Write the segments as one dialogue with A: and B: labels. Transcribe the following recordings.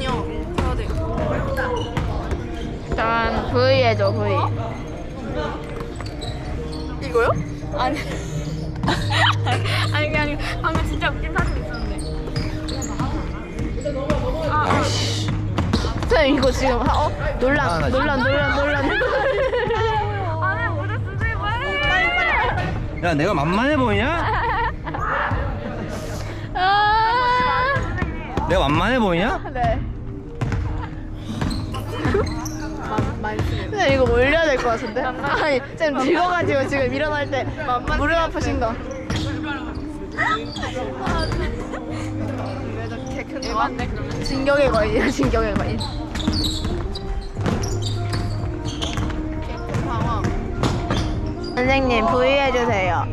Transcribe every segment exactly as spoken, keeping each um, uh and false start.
A: 아니요. 해야 돼.
B: 일단 V 해줘 V.
A: 이거요?
B: 아니 아니 아니 방금 진짜 웃긴 사진 있었는데.
C: 아이씨.
B: 쌤 이거 지금 하- 어 논란
C: 아, 나
B: 논란 논란 논란.
A: 안에 모자 쓰지 마.
C: 야 내가 만만해 보이냐?
B: 아.
C: 내가 만만해 보이냐?
B: 네. 쌤 이거 올려야 될 것 같은데? 아니 쌤 들고가지고 지금 일어날 때 무릎 아프신 거. 왜 저렇게 큰 거? 진격의 거인이야 진격의 거인. 선생님 V 해주세요.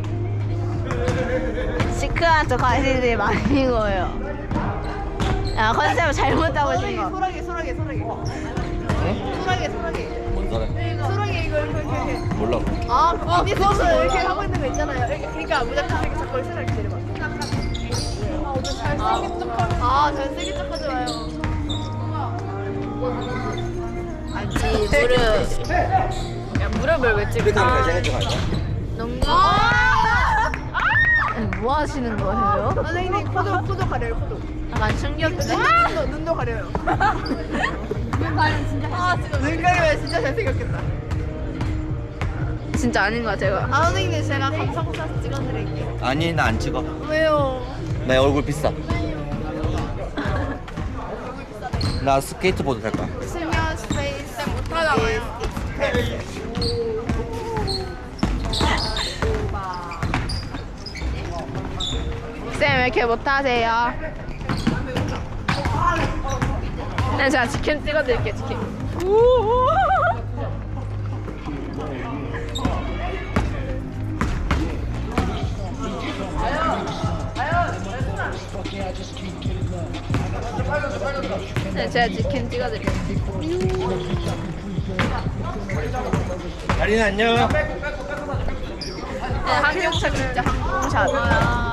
B: 시크한테 관심이 많은 거예요. 아 컨셉을 잘못 잡으신 거.
A: 소라게 소라게 소라게.
C: 응?
A: 소라게 소라게.
C: 뭔 소리?
A: 소라게 이거 이렇게 이렇게.
C: 몰라.
A: 아 그거 그거서 이렇게 하고 있는 거 있잖아요. 이렇게, 그러니까 무작정 이렇게 자꾸 소라게 내려봐. 아 오늘 잘생긴 척하면. 아 잘생긴 척하지 마요.
B: 아지 무릎. 야 무릎을 왜 찍어?
C: 그렇게 하면 잘생긴 척 아니야?
B: 농구. 아니, 뭐 하시는 거예요?
A: 선생님 코도 코도 가려요 코도.
B: 난 충격인데.
A: 눈도 눈도 가려요. 눈 가리면 진짜. 아 진짜 눈 가리면 진짜 잘생겼겠다.
B: 진짜 아닌 거야 제가.
A: 아 선생님 제가 감성 사진 찍어드릴게요.
C: 아니 나 안 찍어.
A: 왜요?
C: 나 얼굴 비싸. 나 스케이트보드 탈 거야.
A: 스며 스페이스 못하잖아요.
B: 쌤 왜 이렇게 못하세요? 네, 제가 치킨 찍어드릴게요 치킨. 네, 제가 치킨 찍어드릴게요.
C: 다리는 안녕.
B: 네, 항공샷 진짜 항공샷.